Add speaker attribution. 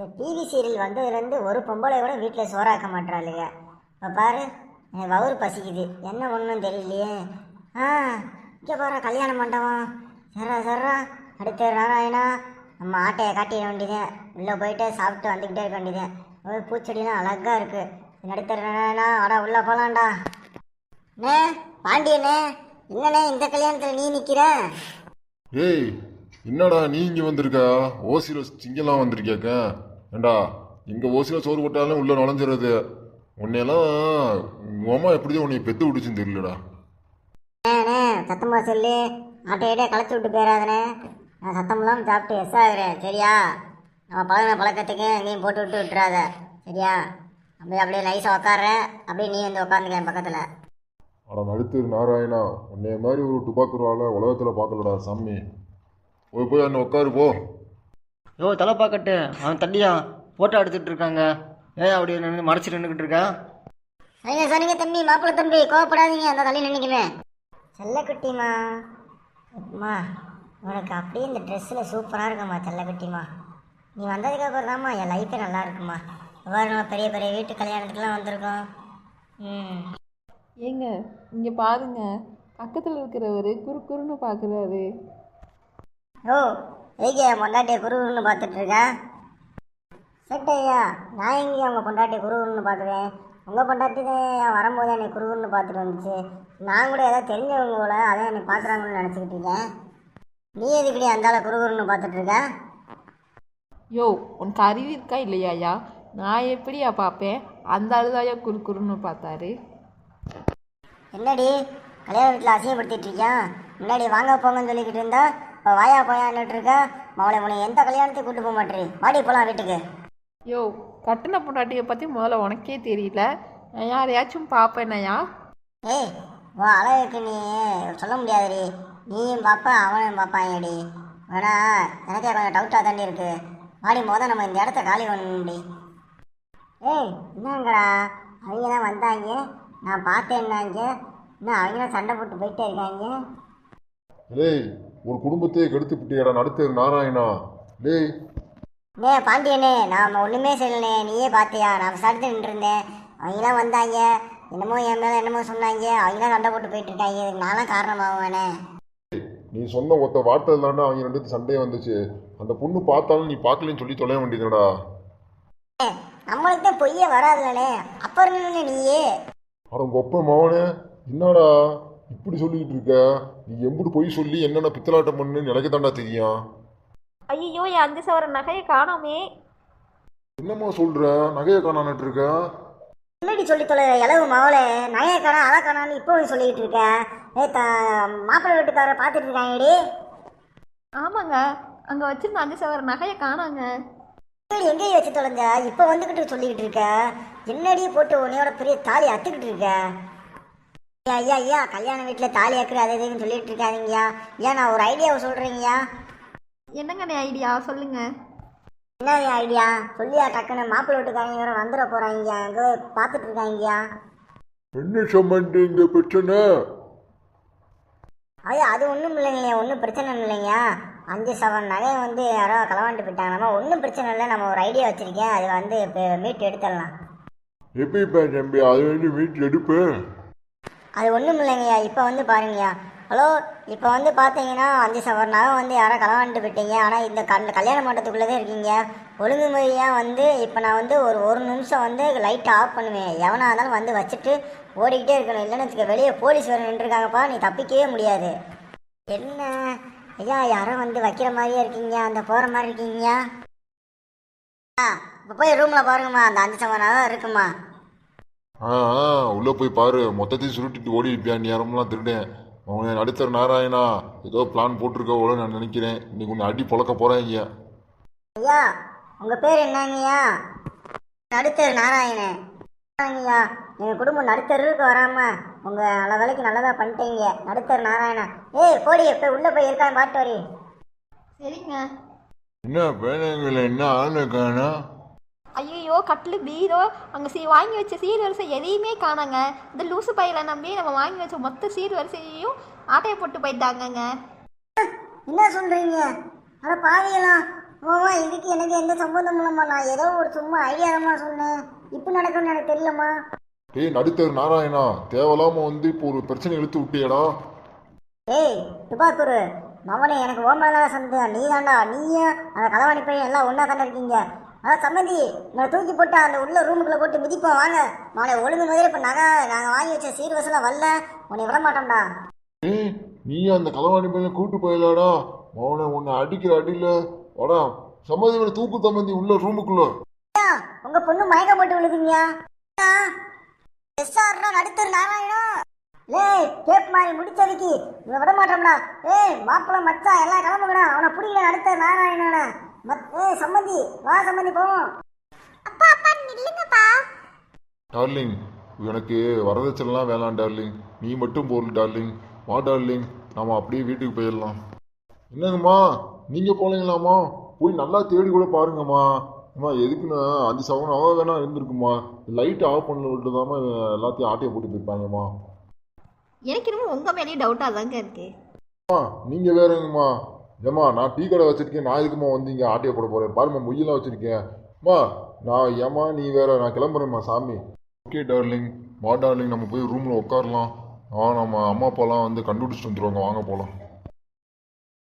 Speaker 1: இந்த TV serial வந்ததுலேருந்து ஒரு பொம்பளை கூட வீட்டில் சோறாக்க மாட்டாளுங்க. இப்போ பாரு, எனக்கு வவுறு பசிக்குது, என்ன ஒன்றும் தெரியலையே. ஆ, இங்கே பாரு கல்யாண மண்டபம். சர்றா அடுத்த நாராயணா, நம்ம ஆட்டையை காட்டிட வேண்டியதேன். உள்ளே போயிட்டு சாப்பிட்டு வந்துக்கிட்டே இருக்க வேண்டியதேன். ஒரு பூச்செடிலாம் அழகாக இருக்குது. நடுத்தர நாராயணா, வாடா உள்ளே போகலான்டா. அண்ணே பாண்டியண்ணே, என்னண்ணே இந்த கல்யாணத்தில் நீ நிற்கிற?
Speaker 2: ஏய், என்னடா நீ இங்கே வந்திருக்கா? ஓசியில் சிங்கெல்லாம் வந்திருக்கியாக்க? ஏண்டா இங்கே ஓசியில் சோறு போட்டாலும் உள்ளே நுழைஞ்சிடுறது. உன்னையெல்லாம் உங்கள் அம்மா எப்படிதான் உன்னை பெற்று விட்டுச்சுன்னு தெரியலடா.
Speaker 1: அண்ணே சத்தமாக சொல்லி ஆட்டையிட்டே களைச்சி விட்டு போயிடாதண்ணே. நான் சத்தமெல்லாம் சாப்பிட்டு எஸ் ஆகுறேன், சரியா? நம்ம பழக்கத்துக்கு எங்கேயும் போட்டு விட்டுறாத, சரியா? அப்படியே நைஸாக உக்காடுறேன், அப்படியே நீ வந்து உட்காந்துக்க என் பக்கத்தில்.
Speaker 2: ஆனால் நடுத்தர் நாராயணா, உன்னைய மாதிரி ஒரு டுபாக்குருவால உலகத்தில் பார்க்கலடா சாமி. போய் அண்ணன் உட்காரு போ.
Speaker 3: யோ தலை பார்க்கட்டு, அவன் தண்டியா ஃபோட்டோ எடுத்துகிட்டு இருக்காங்க. ஏன் அப்படி நின்று மறைச்சிட்டு நின்றுக்கிட்டு இருக்கா?
Speaker 1: சரிங்க தம்பி, மாப்பிள்ளை தம்பி கோவப்படாதீங்க, அந்த தள்ளி நினைக்கிறேன். செல்லக்குட்டிமா, அம்மா உனக்கு அப்படியே இந்த ட்ரெஸ்ஸில் சூப்பராக இருக்குமா செல்லக்குட்டிமா. நீ வந்ததுக்கப்புறம் தான்மா என் லைஃபே நல்லா இருக்குமா. நம்ம பெரிய பெரிய வீட்டு கல்யாணத்துக்குலாம் வந்திருக்கோம்.
Speaker 4: ஏங்க இங்கே பாருங்க, பக்கத்தில் இருக்கிறவர் குறுன்னு பார்க்குறாரு.
Speaker 1: ஓ ஏங்க பொண்டாட்டியை குருன்னு பார்த்துட்ருக்கேன். செட்டையா, நான் எங்கேயும் உங்கள் பொண்டாட்டியை குருன்னு பார்க்குறேன். உங்கள் பொண்டாட்டி தான் வரும்போது என்னை குருன்னு பார்த்துட்டு வந்துச்சு. நான் கூட ஏதாவது தெரிஞ்சவங்க போல அதான் என்னை பார்க்குறாங்கன்னு நினச்சிக்கிட்டு இருக்கேன். நீ எதுக்கடி அந்தால குருன்னு பார்த்துட்ருக்க?
Speaker 4: யோ உனக்கு அறிவு இருக்கா இல்லையாயா? நான் எப்படியா பார்ப்பேன்? அந்த அழுதாயா குறுன்னு பார்த்தாரு.
Speaker 1: என்னடி கல்யாண வீட்டில் அசிங்கப்படுத்திட்டு இருக்கியா? முன்னாடி வாங்க போங்கன்னு சொல்லிக்கிட்டு இருந்தா இப்போ வாயா போயான்னுட்டு இருக்கா. மவளை உன்னை எந்த கல்யாணத்தையும் கூட்டு போக மாட்டேறி. வாடி போகலாம் வீட்டுக்கு.
Speaker 4: யோ கட்டின பொண்டாட்டியை பற்றி முதல்ல உனக்கே தெரியல, நான் யாரையாச்சும் பார்ப்பேனையா?
Speaker 1: ஏய் உன் அழகுக்கு நீ சொல்ல முடியாதுடி. நீயும் பார்ப்பேன் அவனும் பார்ப்பாங்கடி. வேணா எனக்கே கொஞ்சம் டவுட்டாக தாண்டி இருக்கு. வாடி நம்ம இந்த இடத்த காலி பண்ணணும்டி. ஏய் என்னங்கடா, அவங்க தான் வந்தாங்க, நான் பார்த்தேன்னாங்க. இன்னும் அவங்க தான் சண்டை போட்டு போயிட்டே இருக்காங்க.
Speaker 2: லேய், ஒரு குடும்பத்தையே கெடுத்து விட்டியடா நடுத்தர் நாராயணா. லேய்
Speaker 1: பாண்டியனே, நான் ஒன்றுமே சொல்லணே, நீயே பார்த்தியா? நான் விசாரித்து நின்றுருந்தேன். அவங்களாம் வந்தாங்க, என்னமோ என் மேலே என்னமோ சொன்னாங்க. அவங்களாம் சண்டை போட்டு போயிட்டு இருக்காங்க. இதுக்கு நானும் காரணமாகவேனே.
Speaker 2: நீ சொன்ன ஒத்த வார்த்தை தாண்டா அவங்க ரெண்டு சண்டையே வந்துச்சு. அந்த பொண்ணு பார்த்தாலும் நீ பார்க்கலன்னு சொல்லி தொலைய வேண்டியதுடா.
Speaker 1: நம்மளுக்கு தான் பொய்யே வராதுலனே, அப்புறம் என்ன நீயே?
Speaker 2: அட உங்க ஒப்ப மவனே, என்னடா இப்படி சொல்லிக்கிட்டு இருக்க? நீ எம்புட்டு பொய் சொல்லி என்னென்ன பித்தலாட்டம் பண்ணு எனக்கு தாண்டா தெரியும்.
Speaker 5: ஐயோ என் 5 சவர நகையை காணோமே.
Speaker 2: என்னம்மா சொல்ற? நகையை காணான்ட்டு இருக்க?
Speaker 1: என்னடி சொல்லி தொலை இளவு மவளே. நகையை காணா அதை காணான்னு இப்போ சொல்லிக்கிட்டு இருக்கேன். மாப்பிள்ளை வீட்டுக்காரரை பார்த்துட்டு இருக்காங்கடி.
Speaker 5: ஆமாங்க, அங்கே வச்சிருந்த 5 சவர நகையை காணாங்க.
Speaker 1: எங்கேயும் வச்சு தொலைஞ்ச இப்போ வந்துக்கிட்டு சொல்லிக்கிட்டு இருக்க? என்னடி போட்டு உன்னையோட பெரிய தாலி அத்துக்கிட்டு இருக்க? ஐயா கல்யாண வீட்டில் தாலி அக்குற அது இதுன்னு சொல்லிட்டு இருக்காதீங்கயா. ஏன் நான் ஒரு ஐடியாவை சொல்கிறீங்கயா.
Speaker 5: என்னங்கண்ணே ஐடியா சொல்லுங்க.
Speaker 1: என்ன ஐடியா சொல்லியா? டக்குன்னு மாப்பிள்ளை வீட்டுக்காரங்க வேற வந்துட போகிறாங்க, அங்கே பார்த்துட்டு இருக்காங்கயா.
Speaker 2: என்ன சம்பந்தி இங்க பிரச்சனை?
Speaker 1: ஐயா அது ஒன்றும் இல்லைங்க, ஒன்றும் பிரச்சனை இல்லைங்க. 5 சவரன் நகையை வந்து யாரோ களவாண்டு போயிட்டாங்க. ஒன்றும் பிரச்சனை இல்லை, நம்ம ஒரு ஐடியா வச்சுருக்கேன். அது வந்து இப்போ மீட்டு எடுத்துடலாம்.
Speaker 2: எப்படிப்பா தம்பி அது வந்து வீட்டில் எடுப்பேன்?
Speaker 1: அது ஒன்றும் இல்லைங்கய்யா. இப்போ வந்து பாருங்கய்யா. ஹலோ, இப்போ வந்து பார்த்தீங்கன்னா 5 சவரன் நகை வந்து யாரோ களவாண்டு போயிட்டீங்க. ஆனால் இந்த கல்யாண மண்டபத்துக்குள்ளே தான் இருக்கீங்க. ஒழுங்குமுறையாக வந்து இப்போ நான் வந்து ஒரு நிமிஷம் வந்து லைட்டை ஆஃப் பண்ணுவேன். எவனாக இருந்தாலும் வந்து வச்சுட்டு ஓடிக்கிட்டே இருக்கணும். இல்லைன்னு வச்சுக்க, வெளியே போலீஸ் வேறு நின்றுருக்காங்கப்பா, நீ தப்பிக்கவே முடியாது. என்ன ஐயா யாரோ வந்து வைக்கிற மாதிரியே இருக்கீங்க, அந்த போகிற மாதிரி இருக்கீங்க. இப்போ போய் ரூமில் பாருங்கம்மா, அந்த 5 சவரன் நகை இருக்குமா?
Speaker 2: உள்ள போய் பாரு. மொத்தத்தையும் சுருட்டிட்டு ஓடி இருப்பியா நேரம்லாம் திருடேன். அவனை நடுத்தர் நாராயணா ஏதோ பிளான் போட்டிருக்க போல நான் நினைக்கிறேன். இன்னைக்கு உன்னை அடி பொழக்க போறேன்.
Speaker 1: ஐயா உங்கள் பேர் என்னங்கய்யா? நடுத்தர் நாராயணன். ஐயா எங்கள் குடும்பம் நடுத்தருக்கு வராமல் உங்கள் நல்ல வேலைக்கு நல்லதாக பண்ணிட்டீங்க. நடுத்தர் நாராயணா. ஏய் போடி, இப்போ உள்ளே போய் இருக்கான்னு பாட்டு வரி.
Speaker 5: சரிங்க.
Speaker 2: என்ன பேனங்கள என்ன ஆளு காணா?
Speaker 5: ஐயோ கட்டில் பீரோ அங்கே வாங்கி வச்ச சீர் வரிசை எதையுமே காணாங்க. இந்த லூசு பையில நம்பி நம்ம வாங்கி வச்ச மொத்த சீர் வரிசையையும் ஆட்டையை போட்டு போயிட்டாங்கங்க.
Speaker 1: என்ன சொல்கிறீங்க? அட பாவியலாம், ஓவா இதுக்கு எனக்கு எந்த சம்பந்தம் இல்லைம்மா. நான் ஏதோ ஒரு சும்மா ஐடியாதம்மா சொன்னேன். இப்போ நடக்கும்னு எனக்கு தெரியலம்மா.
Speaker 2: டேய் நடுத்தர் நாராயணா, தேவையில்லாம வந்து இப்போ ஒரு பிரச்சனை இழுத்து விட்டியடா.
Speaker 1: ஏய் துபாக்கூர் மவனே, எனக்கு ஓமதான் சந்தேகம். நீ தாண்டா, நீயும் அந்த களவாணி பையன் எல்லாம் ஒன்றா தாண்டா இருக்கீங்க. அதான் சம்மந்தி நான் தூக்கி போட்டு அந்த உள்ள ரூமுக்குள்ளே போட்டு மிதிப்போம் வாங்க. மவனை ஒழுங்கு முதல்ல இப்போ நாங்கள் வாங்கி வச்ச சீர்வசலாம் வரல, உன்னை விட மாட்டோம்டா.
Speaker 2: ஏய் நீ அந்த களவாணி பையனை கூட்டு போயிடலாடா. அவனை உன்னை அடிக்கிற அடியில வாடா சம்மதி இவனை தூக்கு தம்மந்தி உள்ள ரூமுக்குள்ள.
Speaker 1: உங்க பொண்ணு மயக்கம் போட்டு விழுதுங்க. நடுத்தர் நாராயணம் ஏய் கேப் மாதிரி முடிச்சதுக்கு இவனை விட மாட்டோம்டா. ஏய் மாப்பிள்ள மச்சான் எல்லாம் கிளம்புங்கடா. அவனை பிடிக்கல நடுத்தர் நாராயணன. ஏய் சம்மந்தி வா சம்மந்தி போவோம்.
Speaker 5: அப்பா அப்பா நில்லுங்கப்பா.
Speaker 2: டார்லிங் எனக்கு வரதட்சணைலாம் வேணாம் டார்லிங், நீ மட்டும் போல் டார்லிங். வா டார்லிங், நாம அப்படியே வீட்டுக்கு போயிடலாம். என்னங்கம்மா நீங்கள் போகலீங்களாம்மா? போய் நல்லா தேடி கூட பாருங்கம்மா. அம்மா எதுக்குன்னா 5 சவரன் அவ வேணா இருந்திருக்குமா. லைட் ஆஃப் பண்ண விட்டுதாம்மா எல்லாத்தையும் ஆட்டையை போட்டு போயிருப்பாங்கம்மா.
Speaker 5: எனக்கு இன்னும் உங்கள் மேலேயும் டவுட்டாக தாங்க இருக்கு.
Speaker 2: அம்மா நீங்கள் வேறங்கம்மா. ஏம்மா நான் டீ கடை வச்சுருக்கேன், நான் எதுக்குமா வந்து இங்கே ஆட்டையை போட போகிறேன்? பாரும்மா மொய்யெல்லாம் வச்சுருக்கேன். அம்மா நான் ஏம்மா நீ வேற, நான் கிளம்புறேம்மா சாமி. ஓகே டார்லிங், வா டார்லிங் நம்ம போய் ரூமில் உட்காரலாம். நம்ம அம்மா அப்பாலாம் வந்து கண்டுபிடிச்சிட்டு வந்துடுவாங்க, வாங்க போகலாம்.